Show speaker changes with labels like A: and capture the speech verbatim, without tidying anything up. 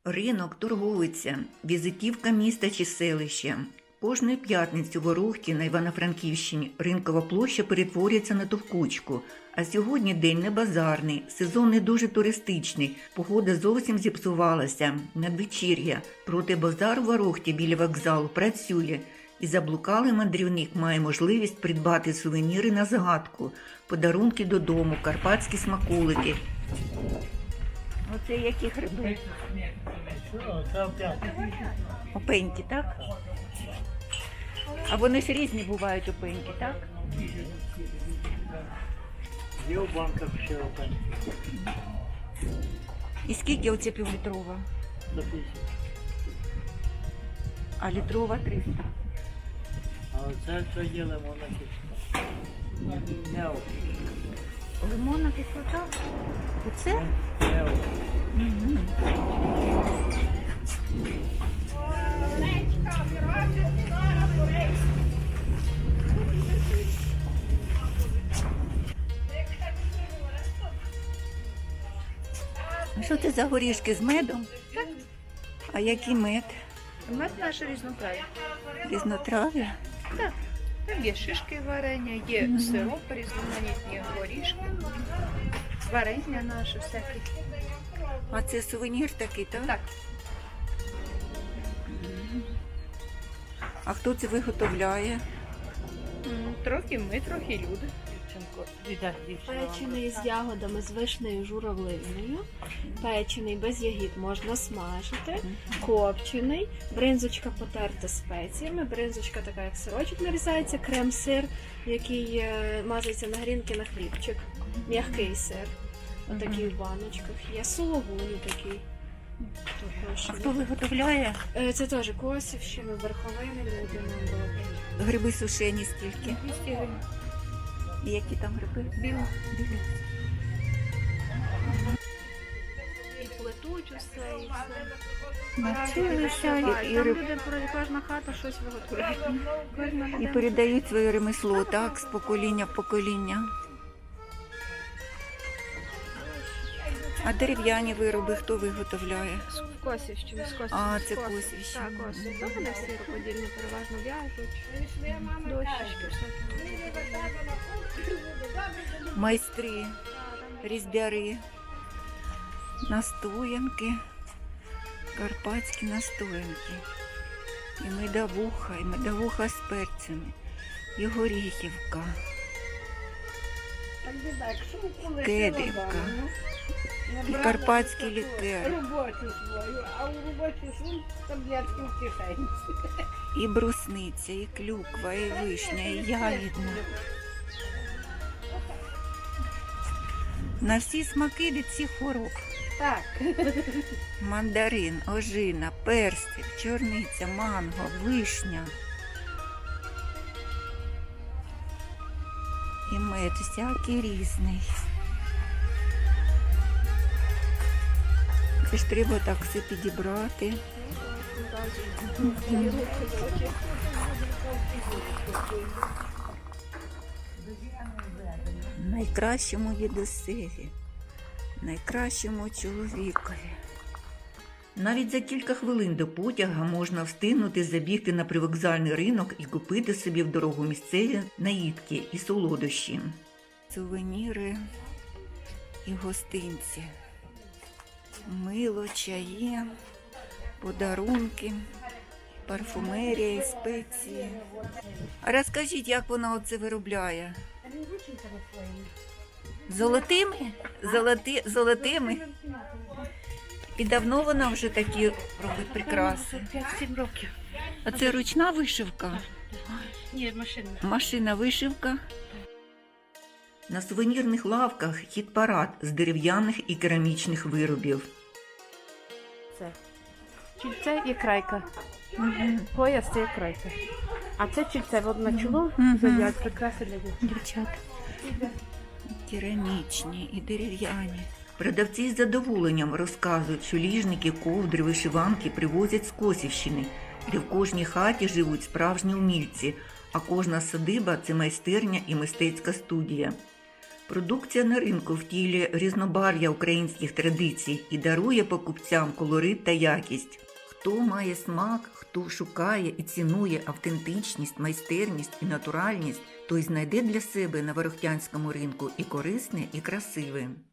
A: Ринок, торговиця, візитівка міста чи селища. Кожної п'ятниці у Ворохті на Івано-Франківщині ринкова площа перетворюється на товкучку. А сьогодні день не базарний, сезон не дуже туристичний, погода зовсім зіпсувалася, надвечір'я. Проте базар у Ворохті біля вокзалу працює. І заблукалий мандрівник має можливість придбати сувеніри на згадку, подарунки додому, карпатські смаколики. Оце які гриби? Опеньки, так? А вони ж різні бувають опеньки, так?
B: Є у банках ще опеньки.
A: І скільки оце півлітрова?
B: За п'ятдесят.
A: А літрова триста.
B: А оце що є лимонна кислота? Нео.
A: Лимонна кислота? Оце?
B: Нео.
A: Угу. А що це за горішки з медом?
C: Так.
A: А який мед?
C: Мед наш різнотрав'я.
A: Різнотрав'я?
C: Так. Там є шишки варення, є
A: Мгм.
C: сироп, різноманітні горішки, варення наше всяке.
A: А це сувенір такий, так?
C: Так.
A: А хто це виготовляє?
C: М, Трохи ми, трохи люди.
D: Печений з ягодами, з вишнею журавлиною, печений без ягід можна смажити, копчений, бринзочка потерта спеціями, бринзочка така як сирочок нарізається, крем-сир, який е, мазається на грінки на хлібчик, м'який сир, отакий в баночках є, сулугуні такий.
A: А хто виготовляє?
D: Е, Це теж Косівщина, верховини, люди нам роблять.
A: Гриби сушені скільки?
C: двісті гривень.
A: І які там гриби?
C: Біло.
A: Білі.
D: І плетуть усе, і все.
A: Навчилися і, і,
D: Там
A: риб-
D: люди, кожна хата щось виготовляє. Кожна
A: і
D: людина.
A: передають своє ремесло, так, з покоління в покоління. А дерев'яні вироби хто виготовляє?
D: Косівщина, з Косівщини.
A: А, це
D: з Косів.
A: Косівщина.
D: Так, Косів. Та вони всі рукодільні переважно в'яжуть. Дощечки всякі.
A: Майстри, різьбяри, настоянки, карпатські настоянки. І медовуха, і медовуха з перцями, і горіхівка, кедрівка, і карпатський лікер,
E: Роботу свою, а у роботі свою таблетки в кишені.
A: і брусниця, і клюква, і вишня, і ягідна. На всі смаки від всіх хвороб.
E: Так.
A: Мандарин, ожина, персик, чорниця, манго, вишня. І мед всякий різний. Це ж треба так все підібрати. Найкращому дідусеві, найкращому чоловікові. Навіть за кілька хвилин до потяга можна встигнути забігти на привокзальний ринок і купити собі в дорогу місцеві наїдки і солодощі. Сувеніри і гостинці. Мило, чаї, подарунки, парфумерія і спеції. А розкажіть, як вона оце виробляє? Золотими? Золоти, золотими? І давно вона вже такі робить прикраси?
C: п'ять-сім років.
A: А це ручна вишивка?
C: Ні, машина.
A: Машина вишивка? На сувенірних лавках хіт-парад з дерев'яних і керамічних виробів.
F: Це чільце і крайка.
A: Угу.
F: Пояс це і крайка. А це чільце от на чоло
A: Мгм.
F: задять прикраси для дівчат.
A: Дівчат. Керамічні і дерев'яні. Продавці з задоволенням розказують, що ліжники, ковдри, вишиванки привозять з Косівщини, де в кожній хаті живуть справжні умільці, а кожна садиба – це майстерня і мистецька студія. Продукція на ринку втілює різнобарв'я українських традицій і дарує покупцям колорит та якість. Хто має смак, хто шукає і цінує автентичність, майстерність і натуральність, той знайде для себе на ворохтянському ринку і корисне, і красиве.